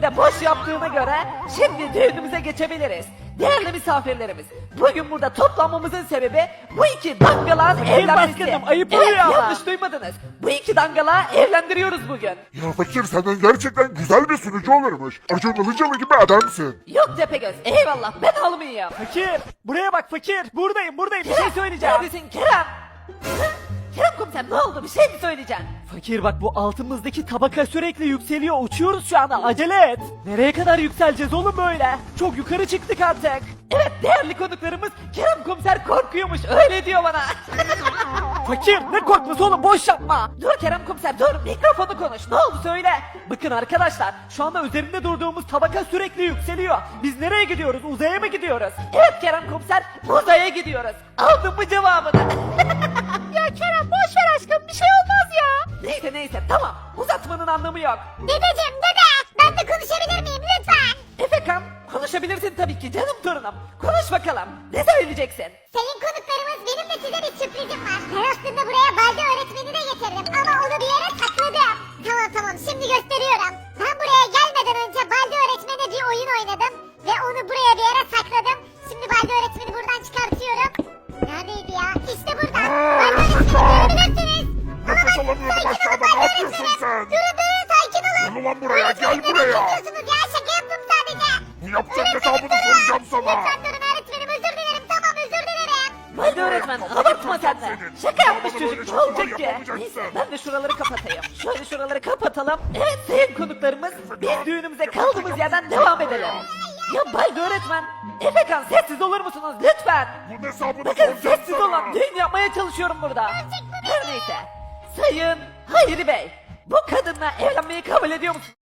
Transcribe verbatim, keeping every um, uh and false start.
de boş yaptığına göre şimdi düğünümüze geçebiliriz. Değerli misafirlerimiz, bugün burada toplanmamızın sebebi bu iki dangalağın evlenmesi. başkanım, ayıp Evet, oluyor ama. yanlış duymadınız. Bu iki dangalağı evlendiriyoruz bugün. Ya fakir senden gerçekten güzel bir sunucu olurmuş. Acun Ilıcalı gibi adamsın. Yok Tepegöz, eyvallah ben almayayım. Fakir buraya bak fakir. Buradayım buradayım bir şey söyleyeceğim. Neredesin Kerem? Hı? Kerem komiser ne oldu, bir şey mi söyleyeceksin? Fakir bak bu altımızdaki tabaka sürekli yükseliyor. Uçuyoruz şu anda acele et. Nereye kadar yükseleceğiz oğlum böyle? Çok yukarı çıktık artık. Evet, değerli konuklarımız Kerem komiser korkuyormuş, öyle diyor bana. Fakir ne korkması oğlum boş yapma. Dur Kerem komiser dur, mikrofonu konuş, ne oldu söyle. Bakın arkadaşlar şu anda üzerinde durduğumuz tabaka sürekli yükseliyor. Biz nereye gidiyoruz? Uzaya mı gidiyoruz? Evet Kerem komiser, uzaya gidiyoruz. Aldın mı cevabını? Ya Kerem boş ver aşkım, bir şey olmaz ya. Neyse neyse tamam, uzatmanın anlamı yok. Dedeciğim dede ben de konuşabilir miyim lütfen? Efekan, konuşabilirsin tabii ki canım torunum. Konuş bakalım, ne söyleyeceksin? Sayın konuklarımız benim de size bir sürprizim var. Ben aslında buraya Balde öğretmeni de getirdim ama onu bir yere sakladım. Tamam tamam şimdi gösteriyorum. Ben buraya gelmeden önce Balde öğretmene bir oyun oynadım. Ve onu buraya bir yere sakladım. Şimdi Balde öğretmeni buradan çıkartıyorum. Neredeydi ya? İşte burada. Balde öğretmeni görebilirsiniz. Nefes alamıyorum aşağıda, ne yapıyorsun sen? Durun durun sakin olun. Gel ulan buraya, gel Öğretmenim, buraya. Ne yapıyorsunuz ya? Şaka yaptım sadece. Bu yaptığın Öğretmenim, hesabını durun. soracağım sana. Lütfen durun öğretmenim özür dilerim. Tamam özür dilerim. Hadi öğretmen, abartma sen de. senin. Şaka yapmış Bana çocuk, böyle ne olacak şakalar ki? yapamayacaksın. Neyse, ben de şuraları kapatayım. Şöyle şuraları kapatalım. Evet sayın konuklarımız, biz düğünümüze kaldığımız yerden devam edelim. Ya Balde öğretmen, Efekan sessiz olur musunuz lütfen? Bunun hesabını Bakın soracağım sessiz sana. olun, düğün yapmaya çalışıyorum burada. Her neyse, sayın Hayri Bey, bu kadınla evlenmeyi kabul ediyor musunuz?